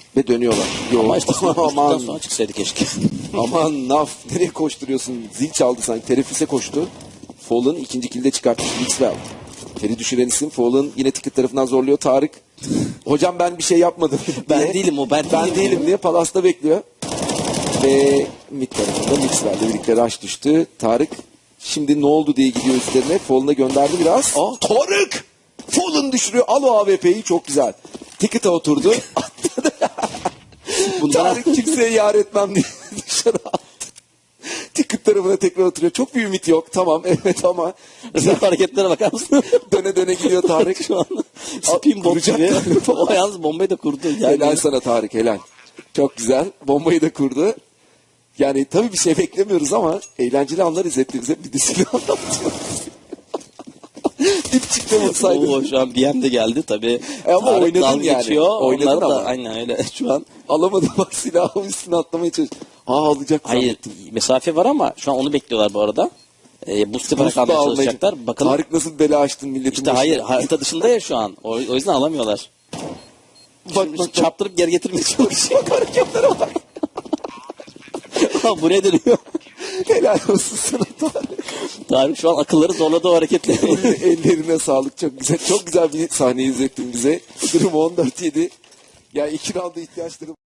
Ve dönüyorlar. Yo, Ama işte aman, sonra çıksaydı keşke. aman Naf nereye koşturuyorsun? Zil çaldı sanki. Terefise koştu. Fall'ın ikinci kilde çıkartmış Mixwell. Ter'i düşüren isim. Fall'ın yine ticket tarafından zorluyor Tarık. Hocam ben bir şey yapmadım. Ben diye. değilim o, ben değilim diye Palas'ta bekliyor. Ve mid tarafında Mixwell'le birlikte rush düştü. Tarık şimdi ne oldu diye gidiyor üstlerine. Fall'una gönderdi biraz. Tarık! Fall'ın düşürüyor. Al o AWP'yi, çok güzel. Ticket'a oturdu. Tarık kimseye yar etmem diye dışarı attı. Ticket tarafına tekrar oturuyor. Çok bir ümit yok. Tamam evet ama Güzel hareketlere bakar mısın? döne döne gidiyor Tarık. Şu an spin bot Kuracak gibi. galiba. O yalnız bombayı da kurdu. Yani Helal sana Tarık, helal. Çok güzel. Bombayı da kurdu. Yani tabii bir şey beklemiyoruz ama eğlenceli anlar izletti bize. Bir de silah anlatıyor. Dip çıktı olsaydı. Oo, şu an BM de geldi tabii. Ama Tarık oynadın dalga yani. geçiyor. Oynadın Onları ama. da aynen öyle. Şu an Alamadı bak, silahı üstüne atlamaya çalışıyor. Alacak hayır, zannettim. mesafe var ama şu an onu bekliyorlar bu arada. Boost yaparak Boost da almaya almayı- çalışacaklar. Bakalım. Tarık nasıl bela açtın milletin İşte başına. hayır, harita dışında ya şu an. O yüzden alamıyorlar. Bak, Şimdi bak. çarptırıp geri getirmeye çalışıyor. Hareketlere bak. Ha, buraya dönüyor. Helal olsun sana Tarık. Tarık şu an akılları zorladı o hareketle. Ellerine sağlık, çok güzel. Çok güzel bir sahne izlettin bize. Durum 14-7. Ya iki rounda ihtiyaçları